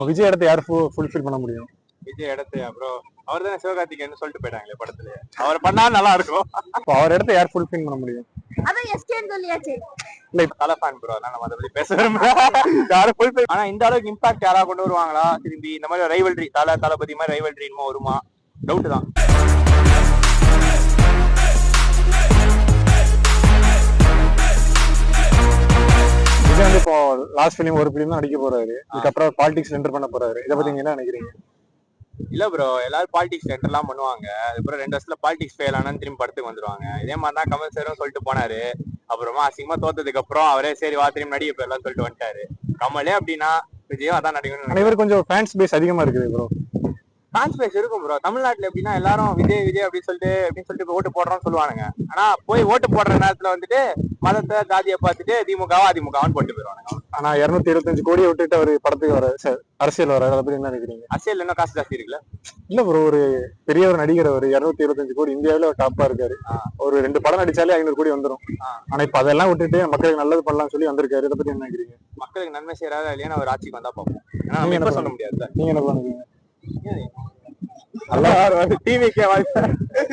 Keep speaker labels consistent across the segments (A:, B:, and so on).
A: விஜய் இடத்த யார் ஃபுல்ஃபில் பண்ண முடியும்?
B: விஜய் இடத்தையா ப்ரோ? அவர் தானே சிவகார்த்திகேயன் சொல்லிட்டு போயிட்டாங்களே படத்துல. அவர் பண்ணா நல்லா இருக்கும்.
A: அவர் இடத்த யார் ஃபுல்ஃபில் பண்ண முடியும்?
C: அதான் எஸ்கேன்னு சொல்லியாச்சு.
B: இல்ல இப்ப தலை ஃபேன் ப்ரோ, அதனால நம்ம அதை பத்தி பேச விரும்பல. யாரும் ஃபுல்ஃபில் ஆனா இந்த அளவுக்கு இம்பாக்ட் யாரா கொண்டு வருவாங்களா திரும்பி? இந்த மாதிரி ரைவல்ரி தளபதி மாதிரி ரைவல்ரி இன்னும் வருமா? டவுட் தான்.
A: விஜய் வந்து இப்போ லாஸ்ட் ஃபிலிம் ஒரு ஃபிலிம் தான் நடிக்க போறாரு. இதுக்கப்புறம் பாலிடிக்ஸ் என்டர் பண்ண போறாரு. இதை பத்தி நீங்க என்ன நினைக்கிறீங்க?
B: இல்ல ப்ரோ, எல்லாரும் பாலிடிக்ஸ் என்டர் எல்லாம் பண்ணுவாங்க. அதுக்கப்புறம் 2 வருஷத்துல பாலிடிக்ஸ் ஃபெயில் ஆனான்னு திரும்பி படத்துக்கு வந்துருவாங்க. இதே மாதிரி தான் கமல் சாரும் சொல்லிட்டு போனாரு. அப்புறமா அசிங்கமா தோத்ததுக்கு அப்புறம் அவரே சரி வா திரும்பி நடிக்க போயிடலாம் சொல்லிட்டு வந்துட்டாரு. கமலே அப்படின்னா விஜயும் அதான் நடிக்கணும்.
A: இவர் கொஞ்சம் ஃபேன்ஸ் பேஸ் அதிகமா இருக்குது ப்ரோ.
B: ஃபேன்ஸ் பேஸ் இருக்கும் ப்ரோ. தமிழ்நாட்டுல எப்படின்னா எல்லாரும் விஜய் விஜய் அப்படின்னு சொல்லிட்டு ஓட்டு போடுறோம்னு சொல்லுவானுங்க. ஆனா போய் ஓட்டு போடுற நேரத்துல வந்துட்டு மதத்தை ஜாதியை பார்த்துட்டு அதிமுகவான்னு போட்டு போயிடுவாங்க.
A: ஆனா 225 கோடியை விட்டுட்டு அவர் படத்துக்கு வர அரசியல் வர, அதை பத்தி என்ன நினைக்கிறீங்க?
B: அரசியல் இன்னும் காசு ஜாஸ்தி இருக்குல்ல?
A: இல்ல ப்ரோ, ஒரு பெரிய ஒரு நடிகர் அவர் 225 கோடி இந்தியாவில டாப்பா இருக்காரு. ஒரு 2 படம் நடிச்சாலே 500 கோடி வந்துடும். ஆனா இப்ப அதெல்லாம் விட்டுட்டு மக்களுக்கு நல்லது பண்ணலாம்னு சொல்லி வந்திருக்காரு. இதை பத்தி என்ன நினைக்கிறீங்க?
B: மக்களுக்கு நன்மை செய்யறாரா இல்லையா அவர் ஆட்சிக்கு வந்தா பார்ப்போம். ஏன்னா நம்ம என்ன சொல்ல முடியாது.
A: நீங்க என்ன பண்ணுவீங்க?
B: டிவிக்கே வாய்ப்பு.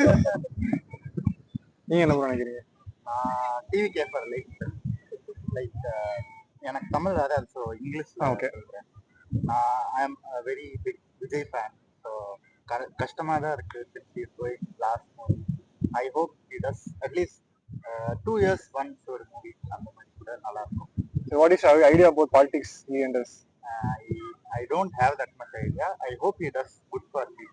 A: நீங்க என்ன நினைக்கிறீங்க?
D: டிவி கேப்பர் லைக் எனக்கு தமிழ் வராது, so English.
A: Okay.
D: I am very big Vijay fan. So கஷ்டமாக தான் இருக்கு. 6 years going last movie. I hope he does at least 2 years once ஒரு மூவி அந்த மாதிரி கூட நல்லா இருக்கும்.
A: What is your idea about politics he enters?
D: I don't have that much idea. I hope he does good for people.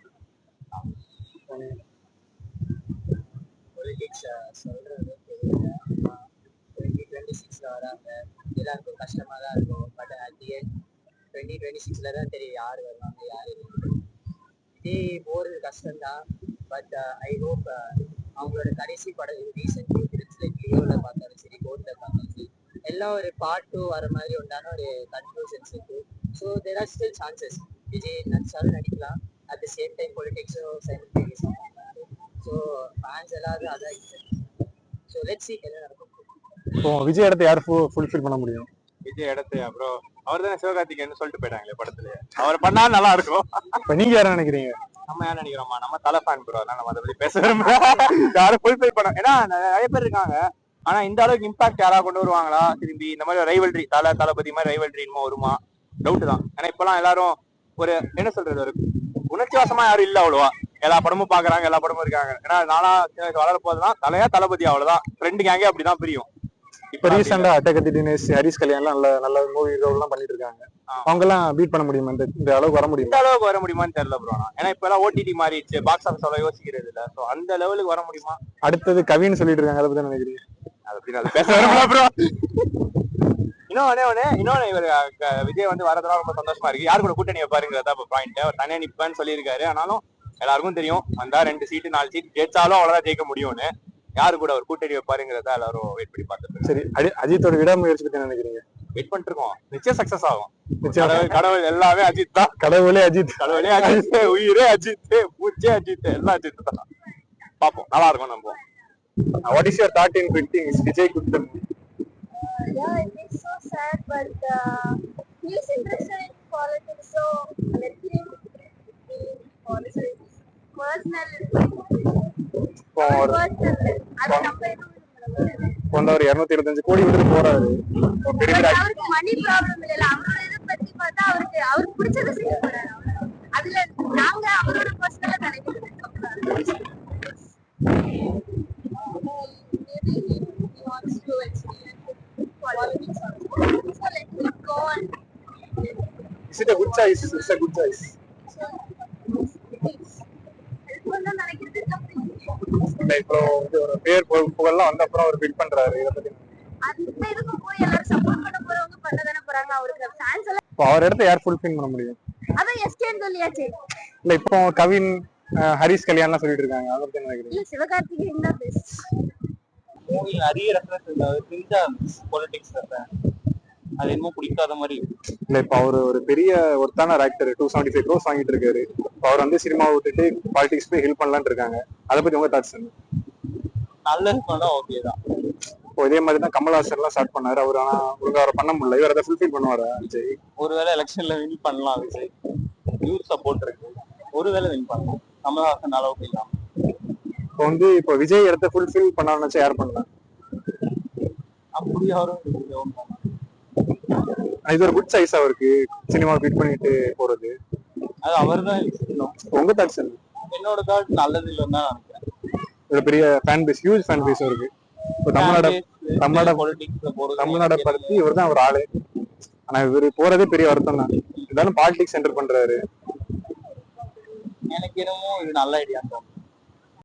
E: Politics சொல்றது தெரியல. 2026ல வராங்க, எல்லாருக்கும் கஷ்டமா தான் இருக்கும். பட் அட் தி எண்ட் 2026ல தான் தெரியும் யார் வருவாங்க யார் இல்லை. இதே போறது கஷ்டம்தான். பட் ஐ ஹோப் அவங்களோட கடைசி படம் ரீசெண்ட் ஃபிலிம்ஸ் லைக் லியோவில் பார்த்தாலும் சரி, கோர்ட்டில் பார்த்தாலும் சரி, எல்லாம் ஒரு பார்ட் 2 வர மாதிரி உண்டான ஒரு கன்க்ளூஷன்ஸ் இருக்கு. So there are still chances. Vijay நடிச்சாலும் நடிக்கலாம். அட் தி சேம் டைம் பொலிட்டிக்ஸும் சைமல்டேனியஸாக பண்ணுறாரு. ஸோ ஃபேன்ஸ் எல்லாரும் அதான். ஸோ லெட்ஸ் சீ என்ன நடக்கும்.
A: இப்போ விஜய் இடத்த யார் ஃபுல்ஃபில் பண்ண முடியும்?
B: விஜய் இடத்தையா ப்ரோ? அவர் தானே சிவகார்த்திகேயன் சொல்லிட்டு போயிட்டாங்களே படத்துல. அவர் பண்ணா நல்லா இருக்கும்.
A: இப்ப நீங்க யார நினைக்கிறீங்க?
B: நம்ம யார் நினைக்கிறோமா? நம்ம தலை ஃபேன் ப்ரோ, அதனால நம்ம அதை பத்தி பேச விரும்பல. யாரும் ஃபுல்ஃபில் பண்ண, ஏன்னா நிறைய பேர் இருக்காங்க. ஆனா இந்த அளவுக்கு இம்பாக்ட் யாரா கொண்டு வருவாங்களா திரும்பி? இந்த மாதிரி ரைவல்ரி தளபதி மாதிரி ரைவல்ரி இன்னும் வருமா? டவுட் தான். ஏன்னா இப்பெல்லாம் எல்லாரும் ஒரு என்ன சொல்றது, ஒரு உணர்ச்சிவாசமா யாரும் இல்ல அவ்வளவா. எல்லா படமும் பாக்குறாங்க, எல்லா படமும் இருக்காங்க. ஏன்னா நானா வளர போதுதான் தலையா தளபதி, அவ்வளவுதான். ஃப்ரெண்டு கேங்கே அப்படிதான் பிரியும்.
A: இப்ப ரீசெண்டா அட்டகத்தி தினேஷ், ஹரிஸ் கல்யாணம் நல்ல நல்ல மூவி எல்லாம் பண்ணிட்டு இருக்காங்க. அவங்க எல்லாம் பீட் பண்ண முடியுமா? இந்த அளவுக்கு வர முடியும்?
B: இந்த அளவுக்கு வர முடியுமான்னு தெரியல ப்ரோ. ஏன்னா இப்ப எல்லாம் ஓடிடி மாறிடுச்சு, பாக்ஸ் ஆஃபீஸ் அவ்வளவு யோசிக்கிறது இல்ல. சோ அந்த லெவலுக்கு வர முடியுமா?
A: அடுத்தது கவின்னு சொல்லிட்டு இருக்காங்க, அதை பத்தி நினைக்கிறீங்க?
B: அதை பத்தி நான் பேச விரும்பல ப்ரோ. இன்னொன்னு இவர் விஜய் வந்து வரதுலாம் ரொம்ப சந்தோஷமா இருக்கு. யாரு கூட கூட்டணி வைப்பாருங்கிறதா இப்ப பாயிண்ட். அவர் தனியா நிப்பான்னு சொல்லியிருக்காரு. ஆனாலும் எல்லாருக்கும் தெரியும் வந்தா 2 சீட்டு 4 சீட் ஜெயிச்சாலும் அவ்வளவுதான் ஜெயிக்க முடியும்னு. யாரு கூட அவர் கூட்டணி வைப்பாருங்கிறதா எல்லாரும் வெயிட் பண்ணி பார்த்துட்டு.
A: சரி, அஜித்தோட விடாமுயற்சி பத்தி நினைக்கிறீங்க?
B: வெயிட் பண்ணிட்டு இருக்கோம். நிச்சயம் சக்சஸ் ஆகும். கடவுள் எல்லாமே அஜித் தான்.
A: கடவுளே அஜித்,
B: உயிரே அஜித், பூச்சே அஜித், எல்லாம் அஜித் தான். பாப்போம், நல்லா இருக்கும். நம்புவோம்.
A: What is your thought in quitting Vijay Kuttan?
C: Yeah, it is so sad, but he is interested in politics, so let him be politics. Personal. அது நம்ம
A: ஒரு 225 கோடி விட்டு போறாரு.
C: அவருக்கு மணி ப்ராப்ளம் இல்ல. அவரோட இதை பத்தி பார்த்தா அவருக்கு பிடிச்சதை செய்ய போறாரு. அதுல நாங்க அவரோட பர்சனலா நினைக்கிறது.
A: Is it a good choice? It's a good choice. இப்போ ஒரு பேர் புகழ்லாம் வந்த அப்புறம் அவர் பிட் பண்றாரு. இத பத்தி
C: அந்த இதுக்கு போய் எல்லாரும் சப்போர்ட் பண்ண போறவங்க பண்ணதானே போறாங்க. அவருக்கு ஃபேன்ஸ் எல்லாம்
A: இப்போ அவர் இடத்த யார் ஃபுல்ஃபில் பண்ண முடியும்?
C: அதான் எஸ்கேன்னு சொல்லியாச்சு.
A: இல்ல இப்போ கவின், ஹரிஸ் கல்யாணம் சொல்லிட்டு இருக்காங்க, அதை பத்தி நினைக்கிறீங்க?
C: இல்ல சிவகார்த்திகேயன் தான் பெஸ்ட்.
D: மூவி நிறைய ரெஃபரன்ஸ் இல்ல, தெரிஞ்சா பொலிட்டிக்ஸ் அது என்னமோ பிடிக்காத மாதிரி.
A: இல்ல இப்ப அவரு ஒரு பெரிய ஒருத்தான ஆக்டர், 275 crores வாங்கிட்டு இருக்காரு. அவர் வந்து சினிமா விட்டுட்டு பாலிடிக்ஸ் போய் ஹெல்ப் பண்ணலான்னு இருக்காங்க. அதை பத்தி உங்க தாட்ஸ் என்ன?
D: நல்லது பண்ணா ஓகே தான்.
A: இப்போ இதே மாதிரி தான் கமல்ஹாசன் எல்லாம் ஸ்டார்ட் பண்ணாரு. அவர் ஆனா ஒழுங்கா அவரை பண்ண முடியல. இவர் அதை ஃபுல்ஃபில் பண்ணுவாரா விஜய்?
B: ஒருவேளை எலெக்ஷன்ல வின் பண்ணலாம் விஜய், யூத் சப்போர்ட் இருக்கு, ஒருவேளை வின் பண்ணலாம் கமல்ஹாசன் அளவுக்கு இல்லாம.
A: இப்போ விஜய் இடத்த ஃபுல்ஃபில் பண்ணாருன்னு யார் பண்ணலாம்?
B: அப்படி யாரும்
A: இது ஒரு குட் சைஸ் அவருக்கு, சினிமா ஃபிட் பண்ணிட்டு போறது.
B: அது அவர் தான்.
A: உங்க தாட்ஸ் என்ன?
B: என்னோட தாட் நல்லது இல்லைன்னு தான் நினைக்கிறேன்.
A: ஒரு பெரிய fan base, huge fan base இருக்கு. இப்போ தமிழ்நாடை பத்தி இவர் தான் ஒரு ஆளு. ஆனா இவரு போறதே பெரிய வருத்தம் தான். இருந்தாலும் பாலிடிக்ஸ் என்டர் பண்றாரு.
B: எனக்கு என்னமோ இது நல்ல ஐடியா.